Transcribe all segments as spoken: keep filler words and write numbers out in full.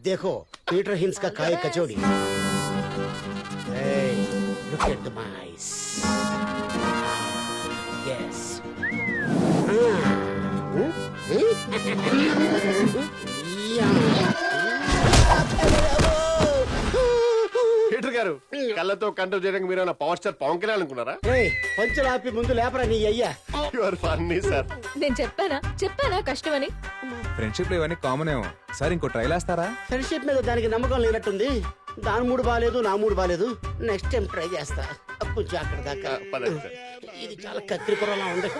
देखो Peter Hince का काय कचौड़ी. Hey, look at the mice. Yes. Peter గారు కళ్ళతో కంట్రోల్ చేయడానికి మీరు పవర్ స్టార్ పవన్ కళ్యాణ్ అనుకున్నారా? పంచులు ఆపి ముందు లేపరా నీ అయ్యా. You are funny sir. నేను చెప్పానా చెప్పానా కష్టమని. ఫ్రెండ్షిప్ లో ఇవన్నీ కామన్ ఏమో. సార్ ఇంకో ట్రైల్ వేస్తారా? ఫ్రెండ్షిప్ మీద దానికి నమ్మకం లేనట్టుంది. దాని మూడు బాగాలేదు, నా మూడు బాగాలేదు. నెక్స్ట్ టైం ట్రై చేస్తా. కొంచెం అక్కడ దాకా పదండి సార్. ఇది చాలా కత్తిరిపురలా ఉంది.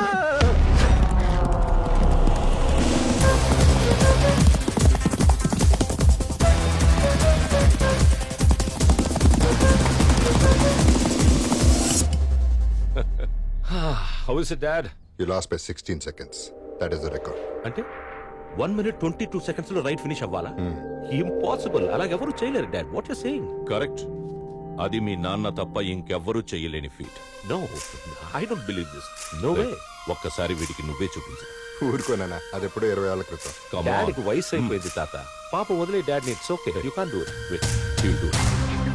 How is it, Dad? You lost by sixteen seconds. That is the record. అంటే one minute twenty two seconds లో రైట్ ఫినిష్ అవ్వాలా? ఇంపాసిబుల్. అలాగెవరు చేయలేరు dad. What you saying? Correct. అది మీ నాన్న తప్ప ఇంకెవ్వరూ చేయలేని feat. No, I don't believe this. No way. ఒక్కసారి వీడికి నువ్వే చూపించు. ఊరుకోనా, అది ఎప్పుడో ఇరవై ఏళ్ల క్రితం. డాడీకి వయసు అయిపోయింది తాత. పాప వదిలే dad. It's okay. You can't do it. Wait, you do it.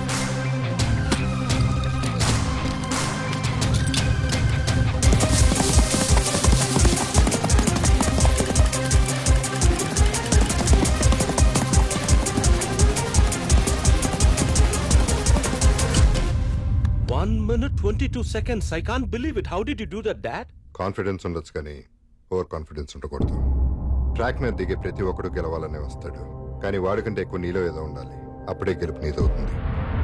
One minute, twenty-two seconds. I can't believe it. How did you do that, Dad? Confidence ఉండొచ్చు కానీ ఓవర్ కాన్ఫిడెన్స్ ఉండకూడదు. ట్రాక్ మీద దిగే ప్రతి ఒక్కడు గెలవాలనే వస్తాడు, కానీ వాడికంటే ఎక్కువ నీలో ఏదో ఉండాలి. అప్పుడే గెలుపు నీదవుతుంది.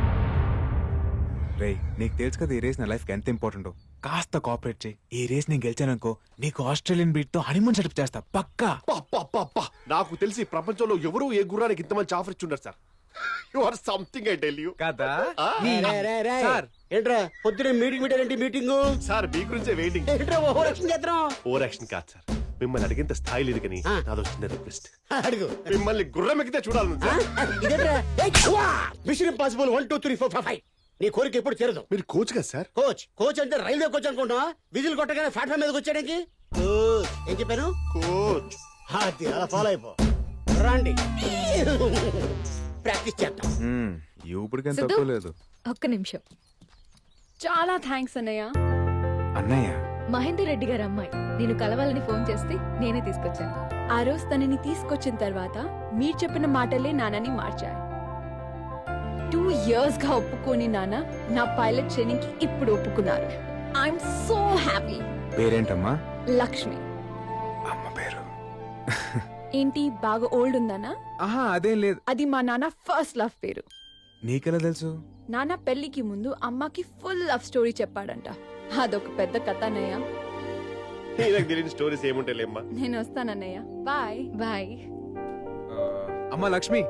రే, నీకు తెలుసు కదా ఈ రేస్ నా లైఫ్ కి ఎంత ఇంపార్టెంట్. కాస్త కోఆపరేట్ చేయి. ఈ రేస్ నేను గెలిచాననుకో నీకు ఆస్ట్రేలియన్ బీట్ తో హనీమూన్ సెటప్ చేస్తా పక్కా. పప్ప నాకు తెలిసి ప్రపంచంలో ఎవరు ఏ గుర్రానికి ఇంత మంచి ఆఫర్ ఇచ్చుంటారు sir. You are something I tell you. కదా సార్ ఏంట్రా పొద్దునే మీటింగ్ పెట్టారంటే మీటింగ్ సార్ మీ గురించే వెయిటింగ్. ఏంట్రా ఓవర్ యాక్షన్ చేద్దాం. ఓవర్ యాక్షన్ కాదు సార్, మిమ్మల్ని అడిగేంత స్థాయి లేదు కానీ నాదో చిన్న రిక్వెస్ట్. అడుగు. మిమ్మల్ని గుర్రం ఎక్కితే చూడాలి సార్. ఇదేంట్రా mission impossible one two three four five. నీ కోరిక ఎప్పుడు చేరదు. మీరు కోచ్ కదా సార్? కోచ్ కోచ్ అంటే రైల్వే కోచ్ అనుకుంటున్నా. విజిల్ కొట్టగానే ప్లాట్ఫామ్ మీదకి వచ్చాడానికి కోచ్. ఏం చెప్పాను? కోచ్. అది అలా ఫాలో అయిపో. రండి ప్రాక్టీస్ చేద్దాం. ఇప్పుడుకేం సిద్ధు? తక్కువ లేదు. ఒక్క నిమిషం. చాలా థ్యాంక్స్ అన్నయ్య. అన్నయ్య మహేందర్ రెడ్డి గారు అమ్మాయి నేను కలవాలని ఫోన్ చేస్తే నేనే తీసుకొచ్చాను. ఆ రోజు తనని తీసుకొచ్చిన తర్వాత మీరు చెప్పిన మాటలే నాన్నని మార్చాయి. టూ ఇయర్స్ గా ఒప్పుకోని నాన్న నా పైలట్ ట్రైనింగ్ కి ఇప్పుడు ఒప్పుకున్నారు. I'm so happy. పేరేంటమ్మా? లక్ష్మి. అమ్మ పేరు ఏంటి బాగా ఓల్డ్ ఉందనా? ఆహా అదేం లేదు. అది మా నాన్న ఫస్ట్ లవ్ పేరు. నీకెలా తెలుసు? నాన్న పెళ్లికి ముందు అమ్మకి ఫుల్ లవ్ స్టోరీ చెప్పాడంట. అదొక పెద్ద కథ అన్నయ్య. నాకు తెలియని స్టోరీస్ ఏముంటాయిలేమ్మా. నేను వస్తానన్నయ్య. Bye bye. అమ్మ లక్ష్మి.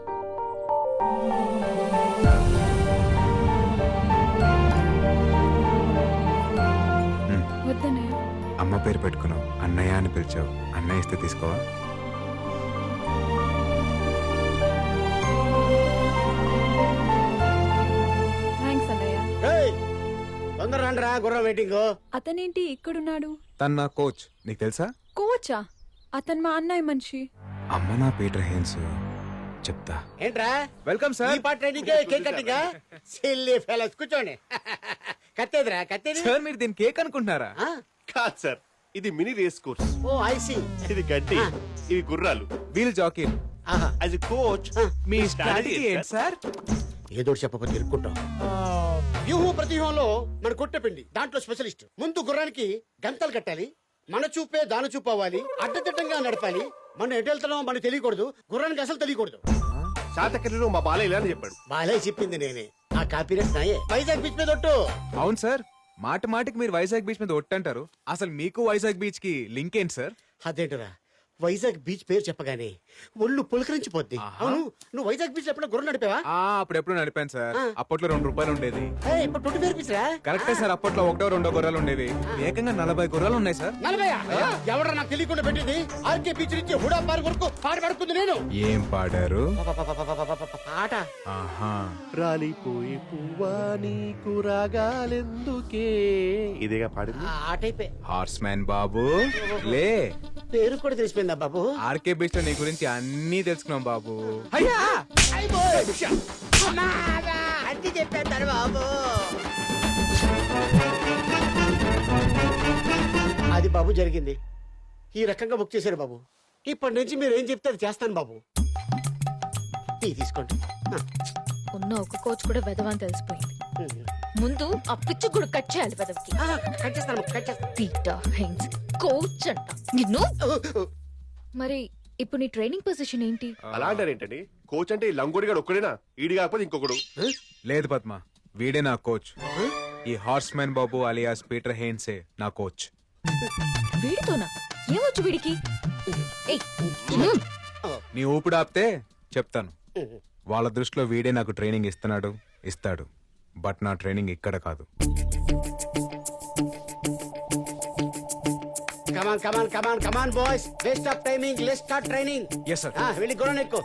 వద్దన్నయ్య. అమ్మ పేరు పెట్టుకున్నావు, అన్నయ్య అని పిలిచావు. అన్నయ్య ఇస్తే తీసుకోవా? థ్యాంక్స్ అన్నయ్య. తొందర రండిరా, గుర్రం వెయిటింగ్. అతనేంటి ఇక్కడున్నాడు? తన నా కోచ్. నీకు తెలుసా? కోచా? అతను మా అన్నయ్య మనిషి. అమ్మ నా పీటర్ హెయిన్స్. చెప్తా. ఏంట్రా వెల్కమ్ ఈ సార్. పాట training cake cutting. Silly fellows కూర్చోండి. కత్తేదిరా కత్తేది. సార్ మీరు దీని కేక్ అనుకుంటున్నారా? ఆ? కాదు సార్, ఇది mini race course. Oh I see. ఇది గడ్డి, ఇవి గుర్రాలు. Wheel jockey. ఆహా. యాజ్ ఎ కోచ్ మీ స్ట్రాటజీ ఏంటి సార్? ఏదో చెప్పకపోతే ఇరుక్కుంటాం. వ్యూహం ప్రతివ్యూహంలో మన కొట్టపిండి దాంట్లో స్పెషలిస్ట్. ముందు గుర్రానికి గంతలు కట్టాలి. మన చూపే దాని చూపు అవ్వాలి. అడ్డదిడ్డంగా నడపాలి. మనం ఎటు వెళ్తున్నామో మనకు తెలియకూడదు. గుర్రానికి అసలు తెలియకూడదు. శాతకర్ణిలో మా బాలయ్య ఇలా అని చెప్పాడు. బాలే చెప్పింది నేనే. ఆ కాపీరెట్స్ నాయే. వైజాగ్ బీచ్ మీద ఒట్టు. అవును సార్, మాట మాటికి మీరు వైజాగ్ బీచ్ మీద ఒట్టంటారు. అసలు మీకు వైజాగ్ బీచ్ కి లింక్ ఏంటి సార్? అదేంటరా వైజాగ్ బీచ్ పేరు చెప్పగానే ఒళ్ళు పులకరించిపోద్ది. అవును, నువ్వు వైజాగ్ బీచ్ ఎప్పుడో గుర్రం నడిపావా? ఆ అప్పుడెప్పుడు నడిపాను సార్. అప్పట్లో రెండు రూపాయలు ఉండేది. ఏయ్, ఇప్పుడు ట్వంటీ ఫైవ్ రూపీస్ రా. కరెక్టే సార్, అప్పట్లో ఒకటో రెండో గుర్రాలు ఉండేవి. ఏకంగా నలభై గుర్రాలు ఉన్నాయి సార్. నలభై ఎవడ నాకు తెలియకుండా పెట్టింది. ఆర్కే బీచ్ నుంచి హుడా పార్క్ వరకు పాట పడుకుంది నేను. ఏం పాడారు? పాట ఆహా. రాలిపోయి పువ్వా నీకు రాగాలెందుకే, ఇదేగా పాడింది. ఆట అయిపోయి హార్స్ మ్యాన్ బాబు లే. పేరు కూడా తెలిసిపోయిందా బాబు? ఆర్కే బీచ్ లో నీ గురించి అన్నీ తెలుసుకున్నాం బాబు. అన్ని చెప్పేస్తారు బాబు. అది బాబు జరిగింది. ఈ రకంగా బుక్ చేశారు బాబు. ఇప్పటి నుంచి మీరు ఏం చెప్తే అది చేస్తాను బాబు. టీ తీసుకోండి. ఆ. ఉన్న ఒక కోచ్ కూడా వెదవని తెలిసిపోయింది. ముందు ఆ పిచ్చి కూడా కట్ చేయాలి వెదవికి. ఆ, కట్ చేస్తాను కట్ చేస్తాను. పీటర్ హెయిన్స్ కోచ్ అంట నిన్ను. మరి ఇప్పుడు నీ ట్రైనింగ్ పొజిషన్ ఏంటి? అలా అంటారేంటండి? కోచ్ అంటే ఈ లంగోడిగాడు ఒక్కడేనా? ఈడి కాకపోతే ఇంకొకడు. లేదు పద్మ, వీడే నా కోచ్. ఈ హార్స్ మ్యాన్ బాబు అలియాస్ పీటర్ హెయిన్సే నా కోచ్. వీడితోనా? ఏమొచ్చు వీడికి? ఏయ్, నీ ఊపిడి ఆపితే చెప్తాను. వాళ్ళ దృష్టిలో వీడే నాకు ట్రైనింగ్ ఇస్తున్నాడు, ఇస్తాడు. బట్ నా ట్రైనింగ్ ఇక్కడ కాదు. Come on come on come on come on boys, waste of timing, let's start training. Yes sir. వెళ్ళి గుర్రం ఎక్కు.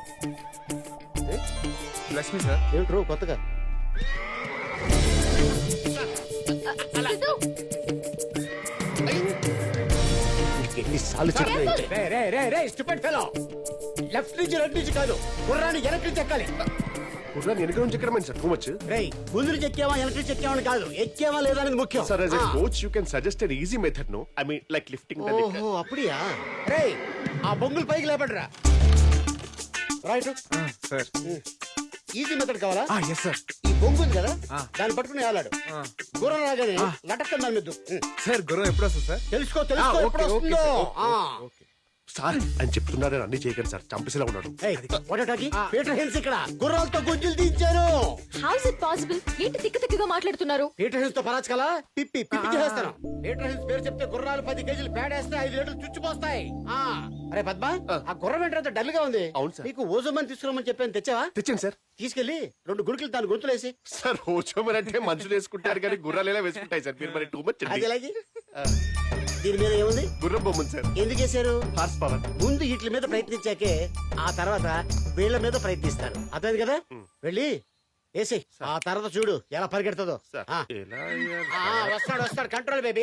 లక్ష్మి సార్. ఏంట్రో కొత్తగా సిద్ధు, ఎన్నిసార్లు చెప్పారంటే రే రే రే రే స్టూపిడ్ ఫెలో, లెఫ్ట్ నుంచి రైట్ నుంచి కాదు, గుర్రాన్ని వెనక్కి నుంచి ఎక్కాలి. కుర్రాన్ని వెనక నుంచి ఎక్కడమని సార్ టూ మచ్. రేయ్, ముందు నుంచి ఎక్కావా వెనక నుంచి ఎక్కావా అని కాదు, ఎక్కావా లేదా అనేది ముఖ్యం. సార్ యాజ్ ఎ ఆ. Coach you can suggest an easy method no. I mean like lifting the leg. ఓహో అప్పుడియా. రేయ్, ఆ బొంగులు పైకి లేపడరా. Right, sir. ఈజీ మెథడ్ కావాలా? Yes sir. ఈ బొంగు ఉంది కదా, ఆ. దాన్ని పట్టుకుని వేలాడు. గుర్రం రాగానే లటక్కని దాని మీద సార్ గుర్రం ఎప్పుడు వస్తుంది సార్? తెలుసుకో తెలుసుకో ఆ, ఎప్పుడు ఓకే, ఓకే, వస్తుందో. సార్, ఓకే, ఆ. ఓకే. సార్ అని చెప్తున్నారని అన్ని చేయకండి సార్, చంపేసేలా ఉన్నాడు. ఏయ్, what are you talking? Peter Hince ఇక్కడ గుర్రాలతో గుంజులు తీయించారు. How is it possible? ఏంటి తిక్క తిక్కగా మాట్లాడుతున్నారు? పీటర్ హెన్స్ తో పరాచకలా పిప్పి పిప్పి చేస్తాను. పీటర్ హెన్స్ పేరు చెప్తే గుర్రాలు పది కేజీలు పేడేస్తే ఐదు లీటర్లు చుచ్చిపోస్తాయి. ఆ, అరే పద్మ, ఆ గుర్రం ఏంటంటే డల్ గా ఉంది. అవును సార్. నీకు ఓజోమని తీసుకురామని చెప్పాను, తెచ్చావా? తెచ్చండి సార్. తీసుకెళ్లి రెండు గుడికలు దాని గొంతులేసి. సార్ ఓచోమర్ అంటే మనుషులు వేసుకుంటారు కానీ గుర్రాలు ఎలా వేసుకుంటాయి సార్? మీరు మరి టూ మచ్. అది ఎలాగి? దీని మీద ఏముంది? గుర్రం బొమ్మను సార్. ఎందుకు వేశారు? Horse power. ముందు వీటి మీద ప్రయత్నించాకే ఆ తర్వాత వీళ్ళ మీద ప్రయత్నిస్తారు. అర్థమైంది కదా? వెళ్ళి వేసి ఆ తర్వాత చూడు ఎలా పరిగెడుతుందో. సార్ ఆ. ఎలా ఆ, వస్తాడు వస్తాడు, కంట్రోల్ బేబీ.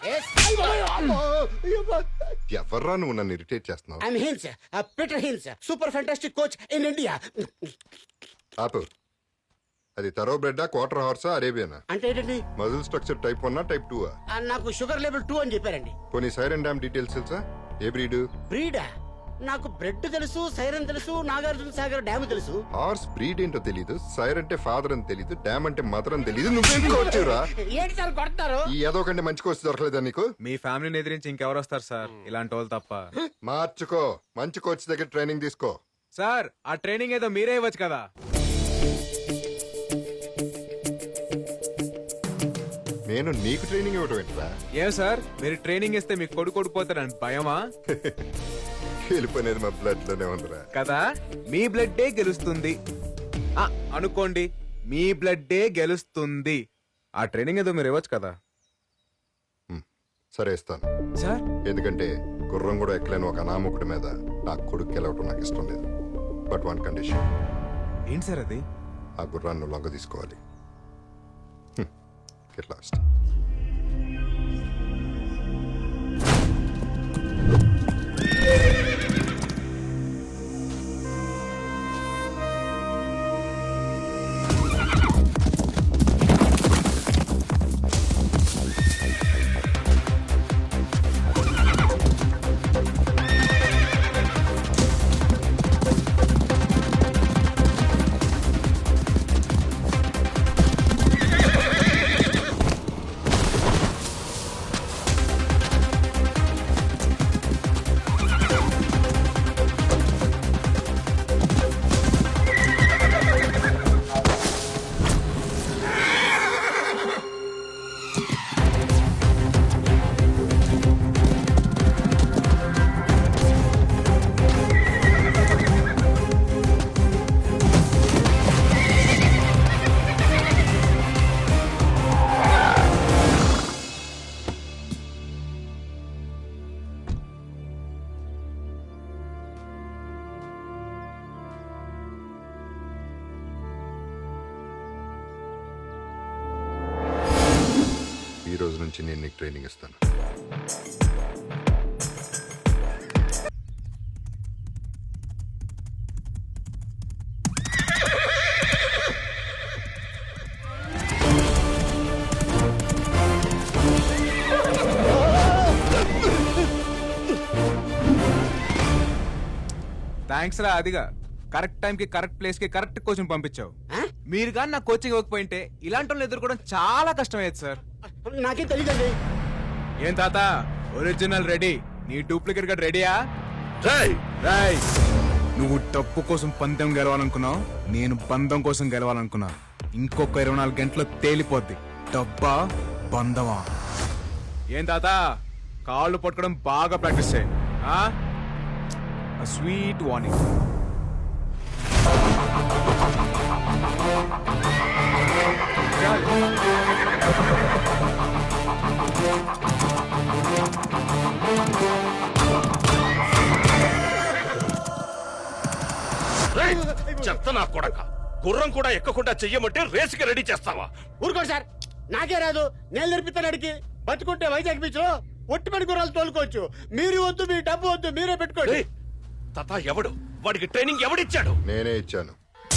ఎవర్రా నువ్వు నన్ను ఇరిటేట్ చేస్తున్నావు? I'm Hince, Peter Hince, super fantastic coach in India. ఆపు. అది తరో బ్రెడ్డా, క్వార్టర్ హార్సా, అరేబియనా? అంటే ఏంటండి? Muscle structure type one type two? ఆ, నాకు షుగర్ లెవెల్ టూ అని చెప్పారండి. కొన్ని సైరన్ డ్యామ్ డీటెయిల్స్ తెలుసా? ఏ బ్రీడ్? బ్రీడా? నాకు బ్రెడ్ తెలుసు, సైరన్ తెలుసు, నాగార్జున సాగర్ డ్యామ్ తెలుసు. హార్స్ బ్రీడ్ ఏంటో తెలీదు, సైర్ అంటే ఫాదర్ అని తెలీదు, డ్యామ్ అంటే మదర్ అని తెలీదు. నువ్వేం కోచ్చురా? ఏంటి సార్ కొడతారు? ఈ ఏదో కంటే మంచి కోచ్ దొరకలేదా నీకు? మీ ఫ్యామిలీని ఎదిరించి ఇంకెవరు వస్తారు సార్ ఇలాంటి వాళ్ళు తప్ప? మార్చుకో, మంచి కోచ్ దగ్గర ట్రైనింగ్ తీసుకో. సార్ ఆ ట్రైనింగ్ ఏదో మీరే ఇవ్వచ్చు కదా. నేను నీకు ట్రైనింగ్ ఇవ్వటం ఏంట్రా? ఏం సార్ మీరు ట్రైనింగ్ ఇస్తే మీకు కొడుకు కొడిపోతారని భయమా? గెలుపనేది మా బ్లడ్ లోనే ఉందిరా. కదా, మీ బ్లడ్డే గెలుస్తుంది. ఆ, అనుకోండి, మీ బ్లడ్డే గెలుస్తుంది. ఆ ట్రైనింగ్ ఏదో మీరు ఇవ్వచ్చు కదా. సరే ఇస్తాను, సార్ ఎందుకంటే గుర్రం కూడా ఎక్కలేని ఒక అనామకుడి మీద నా కొడుకు గెలవటం నాకు ఇష్టం లేదు. But one condition. ఏంటి సార్ అది? ఆ గుర్రాన్ని లొంగ తీసుకోవాలి. Get lost. ఈ రోజు నుంచి నేను నీకు ట్రైనింగ్ ఇస్తాను. థ్యాంక్స్ రా అదిగా కరెక్ట్ టైం కి కరెక్ట్ ప్లేస్ కి కరెక్ట్ కోచింగ్ పంపించావు ఆ? మీరు కానీ నాకు కోచింగ్ ఇవ్వకపోయింటే ఇలాంటి వాళ్ళు ఎదుర్కోవడం చాలా కష్టమయ్యేది సార్ నాకేం తెలియదండి. ఏం తాత ఒరిజినల్ రెడీ నీ డూప్లికేట్ గా రెడీయా రేయ్ రాయ్ నువ్వు డబ్బు కోసం పందెం గెలవాలనుకున్నావు నేను బంధం కోసం గెలవాలనుకున్నా ఇంకొక ఇరవై నాలుగు గంటలు తేలిపోద్ది డబ్బా బంధమా ఏం తాత కాళ్ళు పట్టుకోవడం బాగా ప్రాక్టీస్ చేయి స్వీట్ వార్నింగ్ రేయ్, చెత్త నా కొడక గుర్రం కూడా ఎక్కకుండా చెయ్యమంటే రేసుకి రెడీ చేస్తావా? ఊరుకోండి సార్, నాకే రాదు. నేను నేర్పిస్తాను అడిగి. బతుకుంటే వైజాగ్ బీచ్ లో ఒట్టి పడి గుర్రాలు తోలుకోవచ్చు. మీరు వద్దు, మీ డబ్బు వద్దు, మీరే పెట్టుకోండి. రేయ్, తాత ఎవడు వాడికి ట్రైనింగ్ ఎవడిచ్చాడు? నేనే ఇచ్చాను.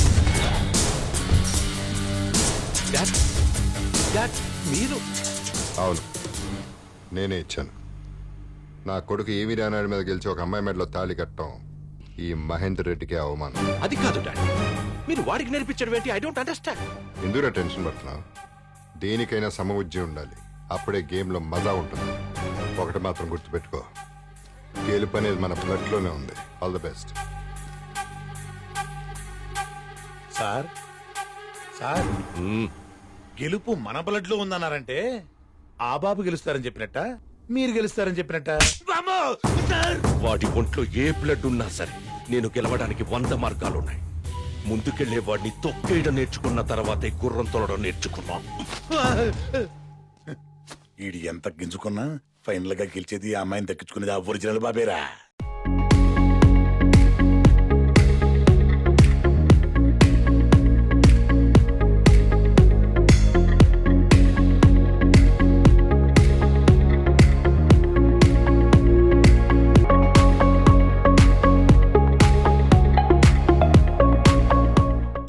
డాడ్, డాడ్, మీరు అవును, నేనే ఇచ్చాను. నా కొడుకు ఏమి రానాడి మీద గెలిచి ఒక అమ్మాయి మెడలో తాళి కట్టడం ఈ మహేందర్ రెడ్డికి అవమానం. అది కాదు డాడ్, మీరు వాడికి నేర్పించడం ఏంటి? I don't understand. ఎందుకు టెన్షన్ పడుతున్నావు? దేనికైనా సమబుద్ధి ఉండాలి, అప్పుడే గేమ్లో మజా ఉంటుంది. ఒకటి మాత్రం గుర్తుపెట్టుకో, గెలుపు అనేది మన బ్లడ్లోనే ఉంది. All the best. Sir sir గెలుపు మన బ్లడ్ లో ఉందన్నారంటే ఆ బాబు గెలుస్తారని చెప్పినట్ట, మీరు గెలుస్తారని చెప్పినట్ట. వాడి ఒంట్లో ఏ బ్లడ్ ఉన్నా సరే నేను గెలవడానికి వంద మార్గాలున్నాయి. ముందుకెళ్లే వాడిని తొక్కేయడం నేర్చుకున్న తర్వాతే గుర్రం తోలడం నేర్చుకున్నాం. ఈడు ఎంత గింజుకున్నా ఫైనల్ గా గెలిచేది ఆ అమ్మాయిని దక్కించుకునేది ఆ ఒరిజినల్ బాబేరా.